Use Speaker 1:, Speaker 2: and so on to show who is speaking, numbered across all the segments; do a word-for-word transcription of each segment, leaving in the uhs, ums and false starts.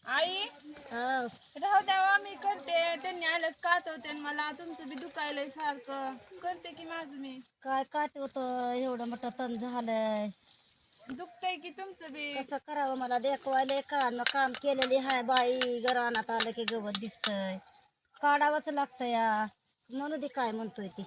Speaker 1: आई
Speaker 2: हो.
Speaker 1: राहू द्यावा मी करते. त्यांनी आलंच कातवते मला. तुमचं बी दुखायलंय सारखं. करते की माझं मी.
Speaker 2: काय काट होतं एवढं मोठं तण झालंय.
Speaker 1: दुखतंय की तुमचं बी.
Speaker 2: कसं करावं मला देखवायले का न काम केलेली हाय बाई. घरानात आलं की गवत दिसतंय. काढावंच लागतं या. म्हणू दे काय म्हणतोय ती.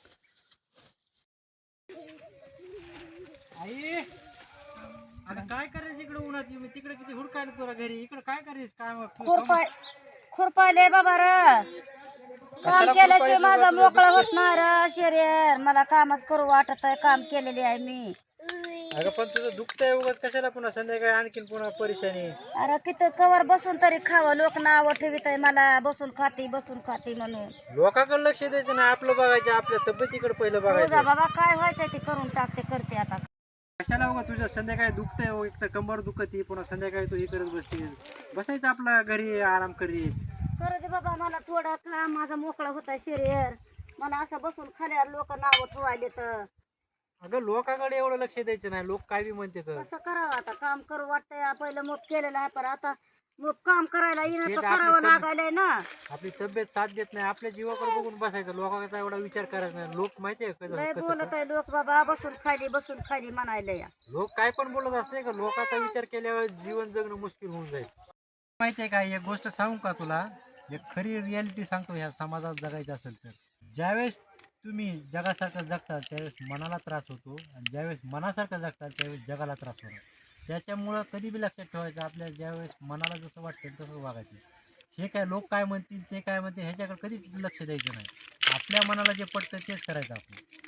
Speaker 3: आई आता काय करायचं इकडे उन्हात येऊन? तिकडे किती हुडकायला तुला घरी, इकडे काय करायचं काय
Speaker 2: खुरपाय खुरपायले बाबा र काम केल्याशिवाय माझा मोकळा होत नाही र शरीर. मला कामच करू वाटत आहे. काम केलेली आहे मी.
Speaker 3: अगं पण तुझं दुखतंय उगाच कशाला पुन्हा संध्याकाळी आणखीन पुन्हा परेशानी.
Speaker 2: अरे किती कवर बसून तरी खावं. लोक नाव ठेवित आहे मला बसून खाती बसून खाती म्हणून.
Speaker 3: लोकांकडे लक्ष द्यायचं नाही, आपलं बघायचं, आपल्या तब्येतीकडे पहिलं
Speaker 2: तुझा
Speaker 3: बघायचं.
Speaker 2: बाबा काय व्हायचंय ते करून टाकते करते आता.
Speaker 3: कशाला उगा तुझ्या संध्याकाळी दुखतंय हो, एक तर कंबर दुखती, पुन्हा संध्याकाळी तू हे करत बसते. बसायचं आपला घरी आराम करीत.
Speaker 2: करू दे बाबा मला थोडं काम माझा मोकळा होता शरीर. मला असं बसून खाल्यावर लोक नाव ठेवायले तर
Speaker 3: अगं लोकांकडे एवढं लक्ष द्यायचं नाही, लोक काय बी म्हणते तर.
Speaker 2: कसं करावं आता. काम करू वाटतंय पहिलं मोप केलेलं आहे पण आता मोप काम करायला येणं
Speaker 3: ते
Speaker 2: तर
Speaker 3: तर आपली
Speaker 2: करावं
Speaker 3: तब्येत-
Speaker 2: लागायलंय ना.
Speaker 3: आपली तब्येत साथ देत नाही, आपल्या जीवाकडे बघून बसायचं. लोकांचा एवढा विचार करायचा नाही. लोक माहितीये का
Speaker 2: लय
Speaker 3: कसं
Speaker 2: बोलत आहे लोक बाबा बसून खाली बसून खाली म्हणायला या.
Speaker 3: लोक काय पण बोलत असते का, लोकांचा विचार केल्यावर जीवन जगणं मुश्किल होऊन जाईल. माहितीये का, एक गोष्ट सांगू का तुला, एक खरी रियालिटी सांगतो. ह्या समाजात जगायचं असेल तर ज्यावेळेस तुम्ही जगासारखं जगता त्यावेळेस मनाला त्रास होतो, आणि ज्यावेळेस मनासारखं जगतात त्यावेळेस जगाला त्रास होतो. त्याच्यामुळं कधी बी लक्षात ठेवायचं, आपल्या ज्यावेळेस मनाला जसं वाटेल तसं वागायचं. हे काय लोक काय म्हणतील ते काय म्हणतील ह्याच्याकडे कधीच लक्ष द्यायचं नाही. आपल्या मनाला जे पडतं तेच करायचं आपण.